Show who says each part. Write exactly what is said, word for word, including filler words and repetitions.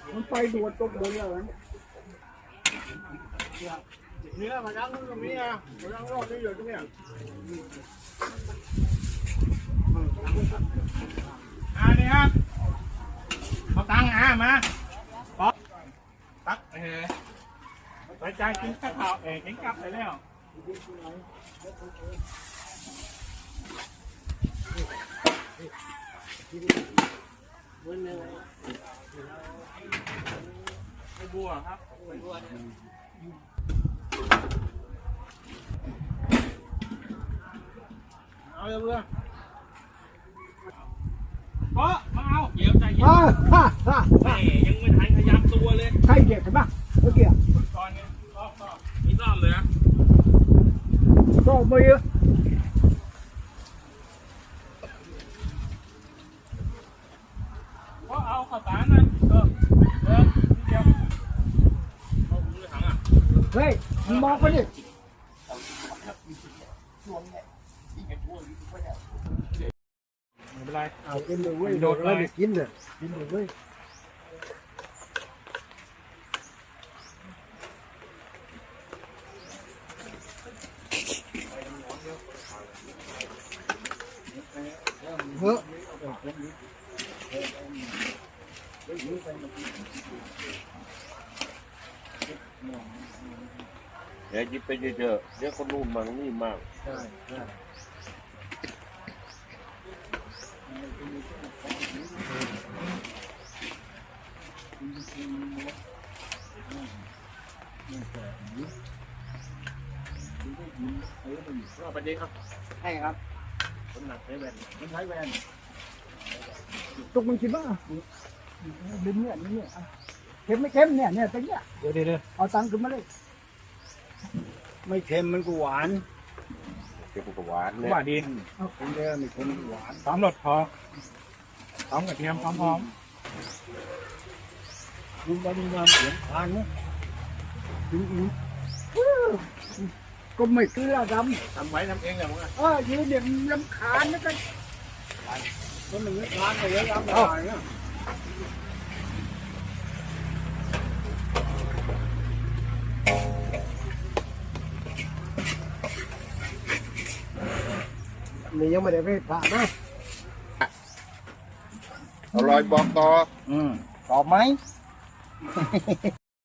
Speaker 1: มันไปดูตกเลยแล้วเนี่ยมาดังตรงนี้อ่ะมาดังรอบนี้อยู่ตรงเนี้ยอ่านี่ครับเอาตังค์อ่ะมาป๊อกตักเออไปจ่ายกินข้าวเองกินกลับไปแล้วไม่บัวครับไม่บัวเอาเลยเพื่อนเพราะมาเอาเดี๋ยวใจเย็นแม่ยังไม่ทันขยับตัวเลยใช่เกียร์ใช่ปะเมื่อกี้ก่อนไงก็ก็มีรอบเลยนะก็ไม่เยอะเพราะเอาข้าวสารนะเออเออเดียวเอาถุงเลยถังอ่ะเฮ้ยมึงมองไปดิไม่เป็นไรเอากินเลยเว้ยโดดเลยกินเลยกินเลยเว้ยเฮ้ย
Speaker 2: เดี๋ยวยิบไปเยอะๆเดี๋ยวคนนู่นมั่งนี่มั่ง
Speaker 1: ใช่ใช่เอาไปดีครับใช่ครับคนหนักใช้แวนมันใช้แวนตุกมันคิดว่าลิ้นเนี่ยลิ้นเนี่ยเค็มไม่เค็มเนี่ยเนี่ยตั้งเนี่ยเดี๋ยวเดี๋ยวเอาตังค์ขึ้นมาเลยไม่เค็มมันก็หวาน
Speaker 2: เก็บกับหวานเนี่ย
Speaker 1: หวานดีเอาเค็มเยอะไม่เค็มหวานพร้อมรสพอพร้อมกระเทียมพร้อมพร้อมดูบะดูน้ำเสียงทานนะดูอีกก็ไม่เกลือดำทำไว้ทำเองเหรอมึงอ่ะเออยืนเดี๋ยวลำคาญนะกันก็มันไม่คานเลยแล้วลำคาญนะนี่ยังไม่ได้ไปผ่านะ
Speaker 2: อร่อยบอกต่อ
Speaker 1: อืมตอบไหม